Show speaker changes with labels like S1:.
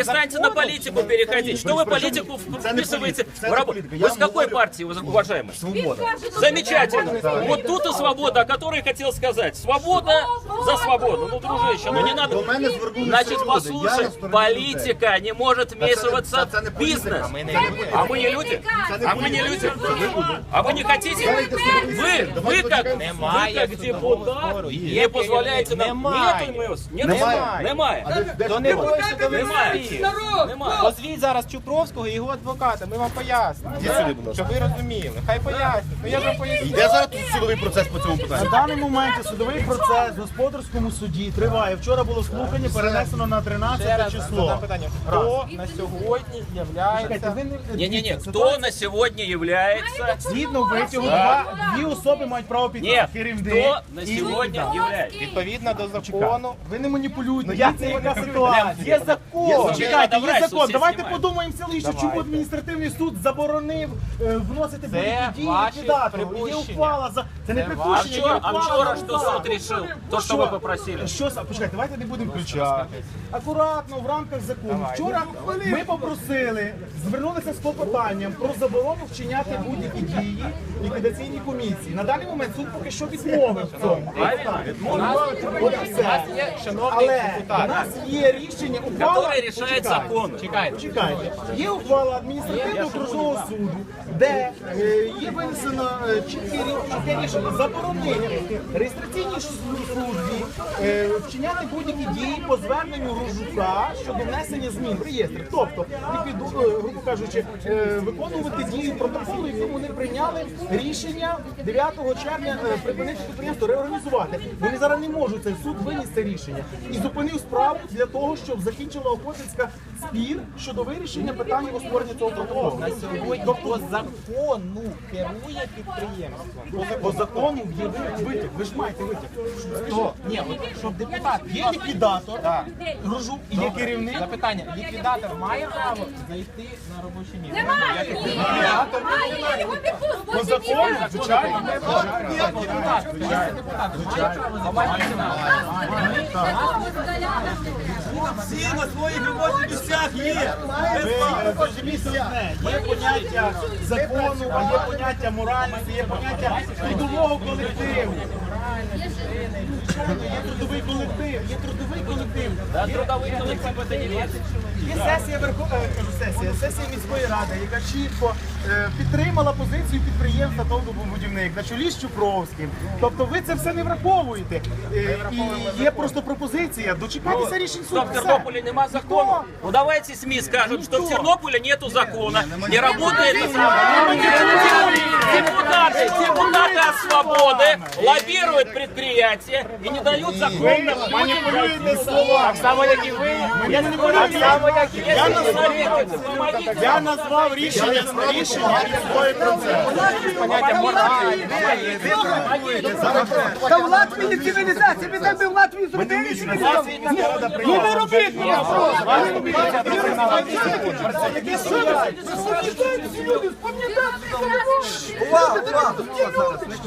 S1: перестаньте на политику переходить. Что вы политику вписываете в работу? Вы с какой партии, уважаемые?
S2: Свобода.
S1: Замечательно. Вот тут и свобода, о которой я хотел сказать. Свобода за свободу. Ну, дружище, ну не надо. Значит, послушай, политика не может вмешиваться в бизнес. А мы не люди? А мы не люди? А вы не хотите? Вы как депутат не позволяєте нам. Немає.
S3: То не бойся до
S1: Немає. Немає.
S3: Позвіть зараз Чупровського і його адвоката, ми вам пояснимо. Щоб ви розуміли. Хай пояснять. Ну я ж вам поясню.
S2: Йде зараз тут судовий процес по цьому питанню?
S4: На даний момент судовий процес в господарському суді триває. Вчора було слухання, перенесено на
S3: Ще
S4: 13
S3: раз
S4: число.
S3: задам питання. Хто на сьогодні являється...
S1: Не-не-не, кто на сегодня является...
S4: Згідно витягу, дві особи мають право піти.
S1: Нет,
S4: Керівник
S1: кто на
S4: і-
S1: сегодня является?
S3: Відповідно до закону...
S4: Ви не маніпулюйте, це яка ситуація.
S3: Є закон!
S4: Чекайте,
S1: Давай,
S4: є закон.
S1: суд
S4: Давайте
S1: знімає.
S4: подумаємо селище, чому адміністративний суд заборонив вносити будь-які дії
S3: ваші
S4: ліквідатору. Є
S3: припущення.
S4: ухвала за... Це не
S3: Це
S4: припущення, є
S1: А
S4: ухвала
S1: вчора
S4: за
S1: что
S4: ухвалу.
S1: суд решил? То, что вы попросили.
S4: Що, почекайте, давайте не будемо включати. Акуратно, в рамках закону. Вчора ми попросили, звернулися з клопотанням про заборону вчиняти будь-які дії ліквідаційній комісії. На даний момент суд поки що відмовив в цьому. От і все.
S3: Є шановний
S4: Але у
S3: депутат.
S4: нас є рішення, ухвала...
S1: Который решает закон.
S4: Чекайте. Є ухвала адміністративного окружного суду, де є винесено чітке рішення заборонення реєстраційній службі вчиняти будь-які дії по зверненню Рожука щодо внесення змін в реєстр. Тобто, грубо кажучи, виконувати дію протоколу, якому вони прийняли рішення 9 червня припинити підприємство, реорганізувати. Вони зараз не можуть, цей суд виніс це рішення. І зупинив справу для того, щоб закінчила Охотинська спір щодо вирішення питання про створення цього протоколу.
S3: На сьогодні по закону керує підприємством.
S4: По закону є витяг. Ви ж маєте витяг.
S3: Хто? Ні, от щоб депутат...
S4: Є ліквідатор, Рожук, і є керівник.
S3: Запитання. Ліквідатор має право зайти на робоче місце?
S5: Немає, його
S4: По закону, звичайно.
S6: Всі на своїх робочих місцях є.
S4: Зрозумійте одне, є поняття закону, а є поняття моральності, є поняття трудового колективу. Звичайно, є трудовий колектив, є трудовий колектив.
S1: Да, трудовой коллектив это не лезет.
S4: Є сесія міської ради, яка чітко підтримала позицію підприємства «Довгобудівник» на чолі з Чупровським. Тобто ви це все не враховуєте. І є просто пропозиція дочекатися рішень суду.
S1: Что в Тернополе нема закона? Ну давайте СМИ скажут, что в Тернополе нету закона, не работает депутаты от свободы лоббируют предприятия и не дают
S4: Ви
S1: законно.
S4: маніпулюєте слова. Я назвав рішення міської процесу.
S6: Та в Латвії цивілізація, ви так би в Латвії зробили цивілізацію. Ну не робіть! Увага!